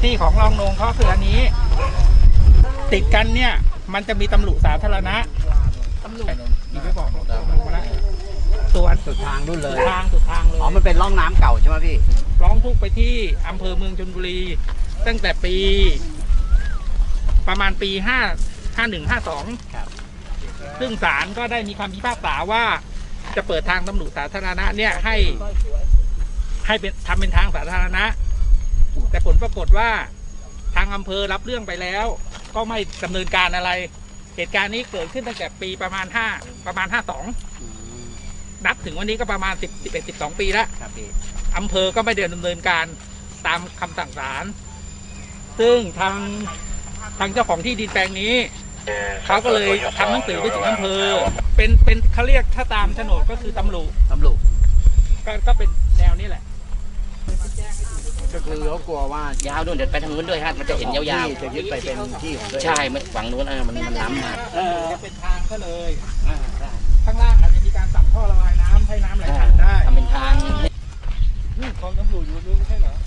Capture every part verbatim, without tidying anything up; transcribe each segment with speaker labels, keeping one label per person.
Speaker 1: ที่ของรองนงเขาคืออันนี้ ติดกันเนี่ยมันจะมีตำรวจสาธารณะตำรวจอีกไม่บอกมาแล้วส่วน
Speaker 2: สุดทางนู่นเลย
Speaker 1: ทางสุดทางเลย
Speaker 2: อ๋อมันเป็นร่องน้ำเก่าใช่ไหมพี่
Speaker 1: ร้องทุกข์ไปที่อำเภอเมืองชลบุรี ตั้งแต่ปี ประมาณปีห้าห้าหนึ่งห้าสองซึ่งศาลก็ได้มีคำพิพากษาว่าจะเปิดทางตำรวจสาธารณะเนี่ยให้ให้เป็นทำเป็นทางสาธารณะแต่ผลปรากฏว่าทางอำเภอรับเรื่องไปแล้ว ก็ไม่ดำเนินการอะไรเหตุการณ์นี้เกิดขึ้นตั้งแต่ปีประมาณห้าประมาณห้าสองนับถึงวันนี้ก็ประมาณสิบสิบเอ็ดสิบสองปีแล้วอำเภอก็ไม่ได้ดำเนินการตามคำสั่งศาลซึ่งทางทางเจ้าของที่ดินแปลงนี้เขาก็เลยทำหนังสือไปถึงอำเภอเป็นเป็นเขาเรียกถ้าตามโฉนดก็คือตำรวจ
Speaker 2: ตำรวจ
Speaker 1: ก็ก็เป็นแนวนี้แหละ
Speaker 2: ก็คือเขากลัวว่ายาวนู่นเดี๋ยวไปทางนู้นด้วยฮะมันจะเห็นยาวๆจะยึดไปเป็นที่ของใช่มันฝั่งนู้นมันมันล้ำมา
Speaker 1: จะเป็นทางก็เลยข้างล่างอาจจะมีการสั่งท่อระบายน้ำให้น้ำไหลผ่านได้
Speaker 2: ทำเป็นทาง
Speaker 1: กองตำรวจอยู่รู้ไม่ใช่เหรอ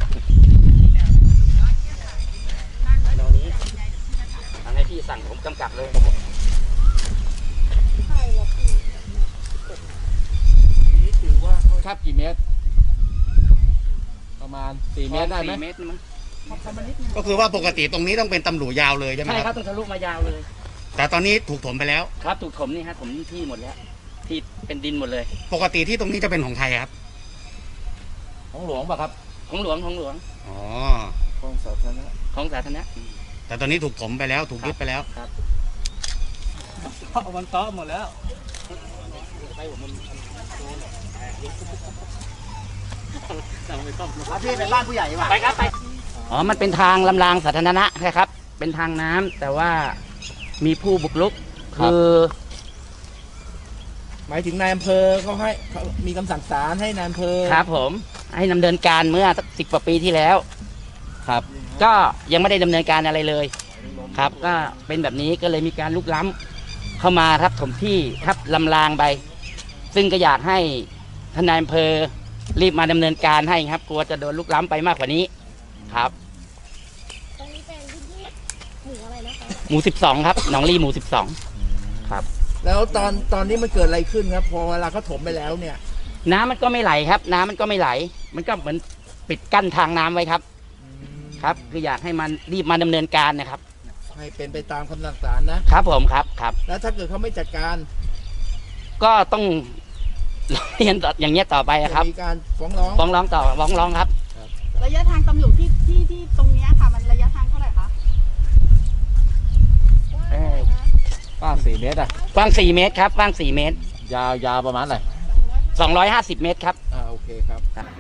Speaker 2: ตอนนี้ทางให้พี่สั่งผมกำกับเลย
Speaker 1: นี่ถือว่า
Speaker 3: ครับกี่เมตรประมาณสี่เมตรได้ไหม
Speaker 4: ก็คือว่าปกติตรงนี้ต้องเป็นตำรวจยาวเลยใช่ไหม
Speaker 2: ใช่ค
Speaker 4: ค
Speaker 2: รั
Speaker 4: รั
Speaker 2: บบ ต้องทะลุมายาวเลย
Speaker 4: แต่ตอนนี้ถูกถมไปแล้ว
Speaker 2: ครับถูกถมนี่ฮะถมที่หมดแล้วที่เป็นดินหมดเลย
Speaker 4: ปกติที่ตรงนี้จะเป็นของใครครับ
Speaker 3: ของหลวงป่ะครับ
Speaker 2: ของหลวงของหลวง
Speaker 4: อ๋อ
Speaker 3: ของสาธารณะ
Speaker 2: ของสาธารณะ
Speaker 4: แต่ตอนนี้ถูกถมไปแล้วถูกยึดไปแล้ว
Speaker 2: ครับ
Speaker 1: มันซ้อหมดแล้ว
Speaker 2: พี่เป็นบ้านผู้ใหญ่ป่ะไปครับไปอ๋อมันเป็นทางลำรางสาธารณะนะครับเป็นทางน้ำแต่ว่ามีผู้บุกรุกคือ
Speaker 1: หมายถึงนายอำเภอเขาให้มีคำสั่งศาลให้นายอำเภอ
Speaker 2: ครับผมให้ดำเนินการเมื่อสักสิบกว่าปีที่แล้วครับก็ยังไม่ได้ดำเนินการอะไรเลยครับก็เป็นแบบนี้ก็เลยมีการลุกล้ำเข้ามาทับถมที่ทับลำรางไปซึ่งก็อยากให้ทนายอำเภอรีบมาดำเนินการให้ครับกลัวจะโดนลุกล้ำไปมากกว่านี้ครับ
Speaker 5: ตรงนี้เป็นพื้นที่หมู่อะไรนะคะ
Speaker 2: หมู่สิบสองครับหนองลีหมู่สิบสองครับ
Speaker 1: แล้วตอนตอนนี้มันเกิดอะไรขึ้นครับพอเวลาเขาถมไปแล้วเนี่ย
Speaker 2: น้ำมันก็ไม่ไหลครับน้ำมันก็ไม่ไหลมันก็เหมือนปิดกั้นทางน้ำไว้ครับครับคืออยากให้มันรีบมาดำเนินการนะครับ
Speaker 1: ให้เป็นไปตามคำสั่งศาลนะครับ
Speaker 2: ผมครับครับ
Speaker 1: แล้วถ้าเกิดเขาไม่จัดการ
Speaker 2: ก็ต้องเรียนอย่างเงี้ยต่อไปครับ
Speaker 1: มีการฟ้องร้อง
Speaker 2: ฟ้องร้องต่อฟ้องร้องครับ
Speaker 5: ระยะทางตำรวจที่ที่ที่ตรงนี้ค่ะมันระยะทางเท่าไหร่คะ
Speaker 3: กว้างสี่เมตรอ่ะ
Speaker 2: กว้างสี่เมตรครับกว้างสี่เมตร
Speaker 3: ยาวยาวประมาณไหน
Speaker 2: สองร้อยห้าสิบเมตรครับ
Speaker 3: อ่าโอเคครับ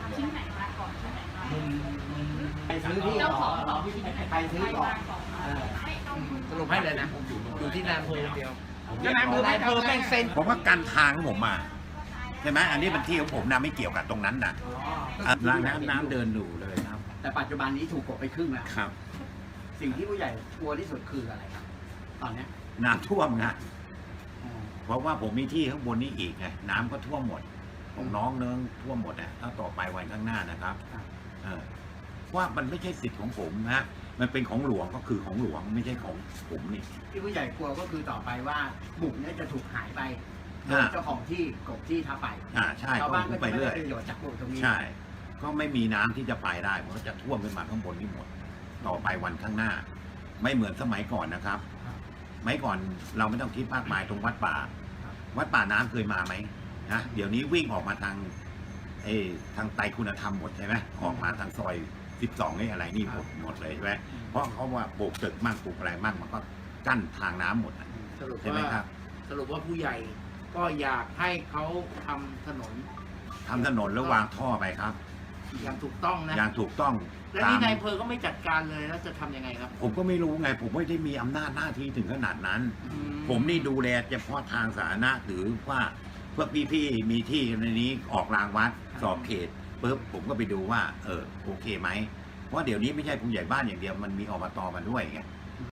Speaker 2: ไปซื้อที่ต่อไปซื้อต่อสรุปให้เลยนะอยู่ที่นายอำเภอเดียว
Speaker 1: แล้วนายอำเภอนายอำเภอแม่งเซ็น
Speaker 6: ผมว่าการทางของผมมาใช่ไหมอันนี้เป็นที่ของผมนะไม่เกี่ยวกับตรงนั้นนะน้ำน้ำน้ำเดินดูเลยครับ
Speaker 2: แต่ปัจจุบันนี้ถูกกดไปครึ่งแล้ว
Speaker 6: ครับ
Speaker 2: สิ่งที่ผู้ใหญ่กลัวที่สุดคืออะไรครับตอนนี้
Speaker 6: น้ำท่วมไงเพราะว่าผมมีที่ข้างบนนี้อีกไงน้ำก็ท่วมหมดของน้องเนิ้งท่วมหมดอ่ะถ้าต่อไปวันข้างหน้านะครับเออว่ามันไม่ใช่สิทธิ์ของผมนะมันเป็นของหลวงก็คือของหลวงไม่ใช่ของผมนี่
Speaker 2: ที่ผู้ใหญ่กลัวก็คือต่อไปว่าบุกนี้จะถูกหายไปเจ้าของที่กบที่ทับไป
Speaker 6: อ่าใช่
Speaker 2: ชาวบ้านก็
Speaker 6: ไปเรื่อย
Speaker 2: ประโยชน์จากบุกตรงนี้
Speaker 6: ใช่ก็ไม่มีน้ำที่จะไปได้เพราะจะท่วมขึ้นมาข้างบนนี่หมดต่อไปวันข้างหน้าไม่เหมือนสมัยก่อนนะครับสมัยก่อนเราไม่ต้องคิดมากมายตรงวัดป่าวัดป่าน้ำเคยมาไหมนะเดี๋ยวนี้วิ่งออกมาทางเอทางไตรคุณธรรมหมดใช่ไหมออกมาทางซอยสิบสองนี่อะไรนี่หมดหมดเลยใช่ไหมเพราะเขาว่าปลูกตึกมั่งปลูกอะไรมั่งมันก็กั้นทางน้ำหมดใช่ไหมครับ
Speaker 1: สรุปว่าผู้ใหญ่ก็อยากให้เขาทำถนน
Speaker 6: ทำถนนแล้ววางท่อไปครับ
Speaker 1: อย่างถูกต้องนะ
Speaker 6: อย่างถูกต้อง
Speaker 1: แล้วนี่นายอำเภอก็ไม่จัดการเลยแล้วจะทำยังไงครับ
Speaker 6: ผมก็ไม่รู้ไงผมไม่ได้มีอำนาจหน้าที่ถึงขนาดนั้นผมนี่ดูแลเฉพาะทางสาธารณะหรือว่าพวกพี่ๆมีที่ในนี้ออกรางวัดสอบเขตปุ๊บผมก็ไปดูว่าเออโอเคไหมเพราะเดี๋ยวนี้ไม่ใช่ผู้ใหญ่บ้านอย่างเดียวมันมีอบตมาด้วยไง